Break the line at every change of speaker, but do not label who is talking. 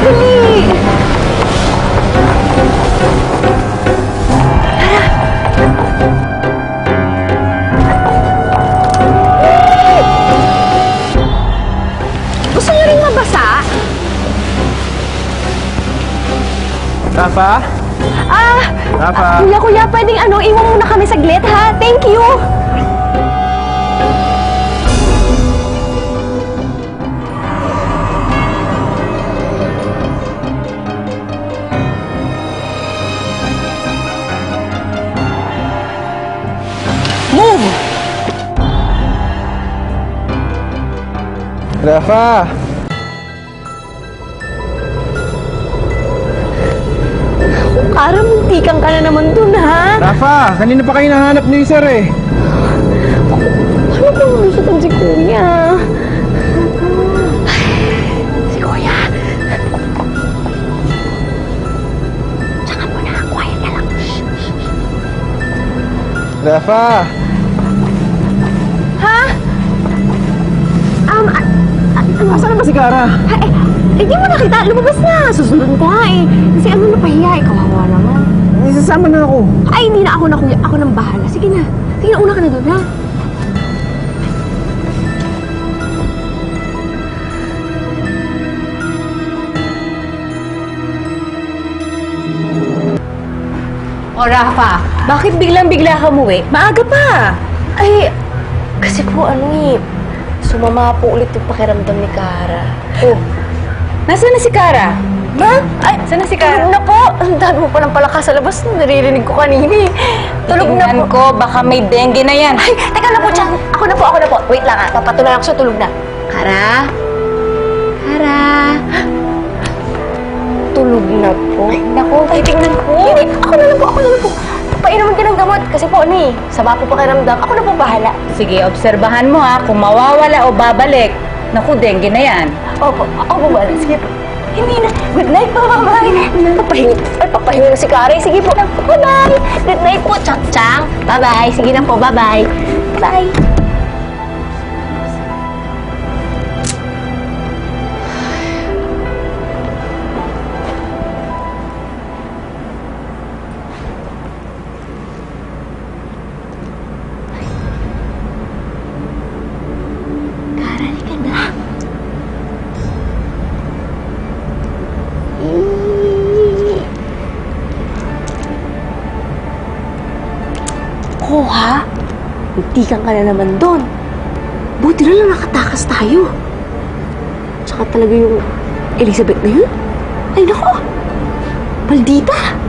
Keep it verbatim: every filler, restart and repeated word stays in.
Dali! Gusto niyo rin mabasa?
Rafa?
Ah!
Rafa?
ah, kuya, kuya, pwedeng ano, iwan muna kami saglit, ha? Thank you!
Move! Rafa!
Kara, muntikan ka na naman dun, ha?
Rafa! Kanina pa kayo nahanap ni Sir eh.
Ano kung lusutan si kuya? Si kuya. Tsaka mo na, quiet ka lang.
Rafa!
Ha? Um, a- a- ano?
Asan na ba si Kara?
Ha, eh, eh, di mo nakita. Lumabas na. Susunod ko nga eh. Kasi ano napahiya eh. Kawawa naman.
Eh, sasama na ako.
Ay, hindi na ako na kuya. Ako nang bahala. Sige na. Sige na, una ka na doon, ha?
O Rafa, bakit biglang-bigla ka umuwi? Maaga pa.
Ay, kasi po ano eh. Sumama po ulit yung pakiramdam ni Kara.
Oh, nasaan na si Kara?
Ma? Ay,
Saan na si Kara?
tulog na po. Ang dami mo palang palakas sa labas. Naririnig ko kanina eh. Tulog na
Tingnan
po.
ko, baka may dengue na yan.
Ay, teka na po, Chang. Ako na po, ako na po. Wait lang ah. Papatuloy ako sa tulog na. Kara? Kara? Tulog na po.
Ay, naku, titignan ko.
Hindi, ako na lang po, ako na lang po. Painuman ka ng gamot. Kasi po, ano eh, sama po pakiramdam. Ako na po bahala.
Sige, obserbahan mo ha, kung mawawala o babalik. Naku, dengue na yan.
Opo, ako po bahala. Sige po. Hindi na. Good night po, bye-bye. Papahinga. Ay, papahinga na si Kari. Sige po. Bye-bye. Good night po, Chang-Chang. Bye-bye. Sige na po, bye-bye. Bye. Kara, halika na. Oh, ha? Muntikan ka na naman doon. Buti na lang nakatakas tayo. Tsaka talaga yung Elizabeth na yun. Ay, nako. Maldita.